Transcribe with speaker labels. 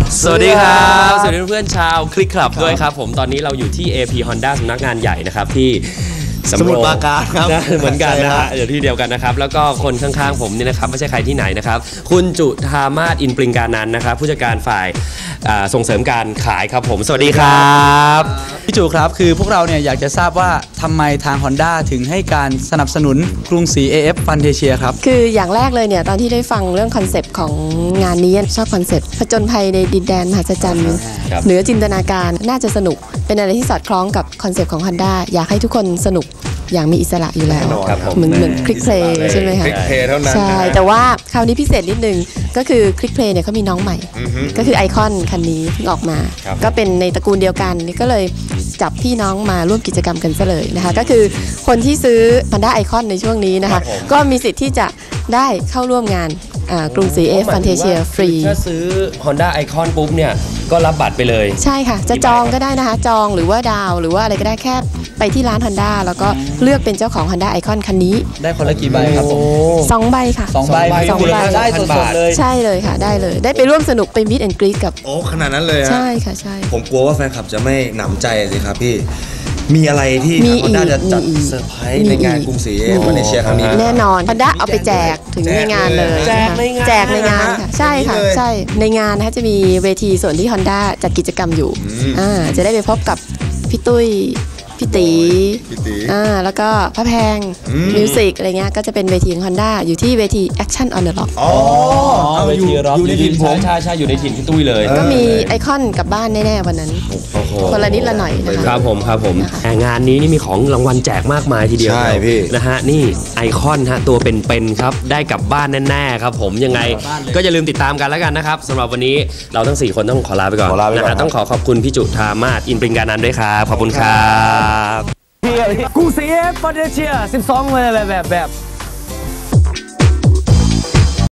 Speaker 1: สวัสดีครับสวัสดีเพื่อนชาวคลิกคลับด้วยครับผมตอนนี้เราอยู่ที่ AP Honda สำนักงานใหญ่นะครับที่
Speaker 2: สมุทรปราการครับ
Speaker 1: เหมือนกันนะฮะเดี๋ยวที่เดียวกันนะครับแล้วก็คนข้างๆผมนี่นะครับไม่ใช่ใครที่ไหนนะครับคุณจุธามาศอินปริงการนันท์นะครับผู้จัดการฝ่ายส่งเสริมการขายครับผมสวัสดีครับ
Speaker 3: พี่จุครับคือพวกเราเนี่ยอยากจะทราบว่าทำไมทาง Honda ถึงให้การสนับสนุนกรุงศรี AF Fantasia ครับ
Speaker 4: คืออย่างแรกเลยเนี่ยตอนที่ได้ฟังเรื่องคอนเซปต์ของงานนี้ชอบคอนเซปต์ผจญภัยในดินแดนมหัศจรรย์เหนือจินตนาการน่าจะสนุกเป็นอะไรที่สอดคล้องกับคอนเซปต์ของ Honda อยากให้ทุกคนสนุกอย่างมีอิสระอยู่แล้วเหมือนคลิกเพลย์ใช่ไหมคะ
Speaker 2: คลิกเพลย์เท่านั้น
Speaker 4: ใช่แต่ว่าคราวนี้พิเศษนิดนึงก็คือคลิกเพลย์เนี่ยเขามีน้องใหม่ก็คือไอคอนคันนี้เพิ่งออกมาก็เป็นในตระกูลเดียวกันนี่ก็เลยจับพี่น้องมาร่วมกิจกรรมกันซะเลยนะคะก็คือคนที่ซื้อ Honda Icon ในช่วงนี้นะคะก็มีสิทธิ์ที่จะได้เข้าร่วมงานกรุงศรี AF Fantasia ฟรี
Speaker 1: ถ้าซื้อ Honda Icon ปุ๊บเนี่ยก็รับบัตรไปเลย
Speaker 4: ใช่ค่ะจะจองก็ได้นะคะจองหรือว่าดาวหรือว่าอะไรก็ได้แค่ไปที่ร้าน Honda แล้วก็เลือกเป็นเจ้าของ Honda Icon คันนี้
Speaker 3: ได้คนละกี่ใบครับผม
Speaker 4: 2 ใบค่ะ
Speaker 3: 2 ใบได้สดๆเลย
Speaker 4: ใช่เลยค่ะได้เลยได้ไปร่วมสนุกไปมิตแอนด์กรีทกับ
Speaker 2: โอ้ขนาดนั้นเลยฮะ
Speaker 4: ใช่ค่ะใช่
Speaker 2: ผมกลัวว่าแฟนคลับจะไม่หนำใจสิครับพี่มีอะไรที่ทาง Honda จะจัดเซอร์ไพรส์ในงานกรุงศรี AF Fantasia ครั้งนี้
Speaker 4: แน่นอน Honda เอาไปแจกถึงในงานเลยแจกในงานค่ะใช่ค่ะใช่ในงานนะคะจะมีเวทีส่วนที่ Honda จัดกิจกรรมอยู่จะได้ไปพบกับพี่ตุ้ยพี่ตีแล้วก็พระแพงมิวสิกอะไรเงี้ยก็จะเป็นเวทีของ Honda อยู่ที่เวที Action on the Rock
Speaker 1: เวทีร็อกอยู่ในถิ่นผมใช่อยู่ในถิ่นพี่ตุ้ยเลย
Speaker 4: ก็มีไอคอนกลับบ้านแน่ๆวันนั้นคนละนิดละหน่อย
Speaker 1: นะครับผมงานนี้นี่มีของรางวัลแจกมากมายทีเดียว
Speaker 2: ใช่พี่
Speaker 1: นะฮะนี่ไอคอนฮะตัวเป็นๆครับได้กลับบ้านแน่ๆครับผมยังไงก็อย่าลืมติดตามกันแล้วกันนะครับสำหรับวันนี้เราทั้ง4คนต้องขอลาไปก่อนนะฮะต้องขอบคุณพี่จุธามาศอินปริงการนันท์ด้วยครับขอบคุณครับ
Speaker 5: กรุงศรี AF Fantasia 12 เลยแบบ